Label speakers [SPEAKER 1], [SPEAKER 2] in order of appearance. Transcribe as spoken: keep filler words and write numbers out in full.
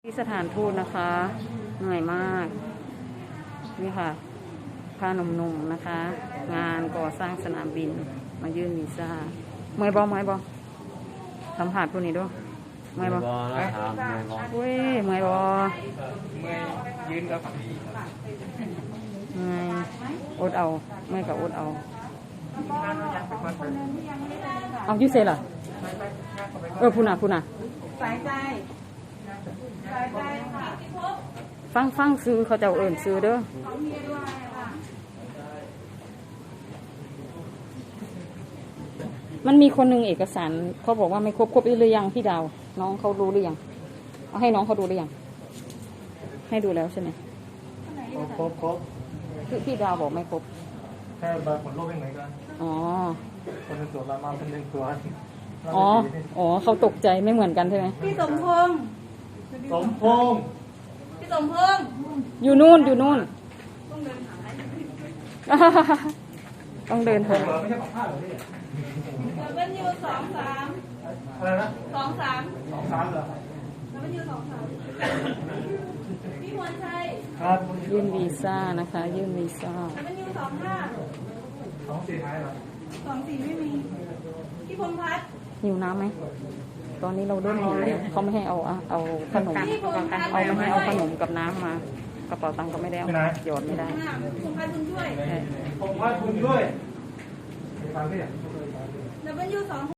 [SPEAKER 1] ที่สถานทูตนะคะเหนื่อยมากนี่ค่ะพาหนุ่มๆนะคะ งานก่อสร้างสนามบินมายื่นวีซ่าเมย์บอเมย์บอสัมผัสพวกนี้ด้วยเมย์บอเว้ยเมย์บอ
[SPEAKER 2] เมื่อยืนก็ฝั่งนี้
[SPEAKER 1] เมย์อดเอาเมย์กับอดเอาเอายูเซ่ล่ะเออพูน่ะพูน่ะ
[SPEAKER 3] สายใจสายใจค่ะ
[SPEAKER 1] ฟังฟังซื้อเขาจะเอิ่นซื้อเด้อมันมีคนหนึ่งเอกสารเขาบอกว่าไม่ครบครบหรือยังพี่ดาวน้องเขารู้หรือยังเอาให้น้องเขาดูหรือยังให้ดูแล้วใช่ไหม
[SPEAKER 2] ครบครบ
[SPEAKER 1] พี่พี่ดาวบอกไม่ครบ
[SPEAKER 2] แค่บัตรผลโรคยังไงกัน
[SPEAKER 1] อ๋อ
[SPEAKER 2] คนหนึ่งตัวละมาเป็นหนึ่งตัว
[SPEAKER 1] อ๋ออ๋อเขาตกใจไม่เหมือนกันใช่ไหม
[SPEAKER 3] พี่สมพงษ์
[SPEAKER 2] สมพงษ์
[SPEAKER 3] พี่สมพงษ์
[SPEAKER 1] อยู่นู่นอยู่นู่นต้องเดินหา
[SPEAKER 2] ไม่ใช่ของผ้าหรอพี่
[SPEAKER 3] เราเป็นยูสองสาม
[SPEAKER 2] อะไรนะ
[SPEAKER 3] สองสาม
[SPEAKER 2] สองสามเหรอ
[SPEAKER 3] เราเป็นยูสองสามพี่มวลชัย
[SPEAKER 2] ครับ
[SPEAKER 1] ยื่นวีซ่านะคะยื่นวีซ่า
[SPEAKER 3] เราเป็นยูสองห้า
[SPEAKER 2] สองสี่ท้ายเหรอ
[SPEAKER 3] สองสี่ไม่มีพี่พงษ์พัฒน์
[SPEAKER 1] หิวน้ำไหมตอนนี้เราเริ่มหิวแล้วเขาไม่ให้เอาเอาขนมเอาไม่ให้เอาขนมกับน้ำมากระเป๋าตังค์ก็ไม่ได้เอาหยอดไม่ได้
[SPEAKER 3] พงษ์พัฒน์บุญช่วย
[SPEAKER 2] พงษ์พัฒน์บุญช่วยฟังพี่
[SPEAKER 3] เราเป็นยูสอง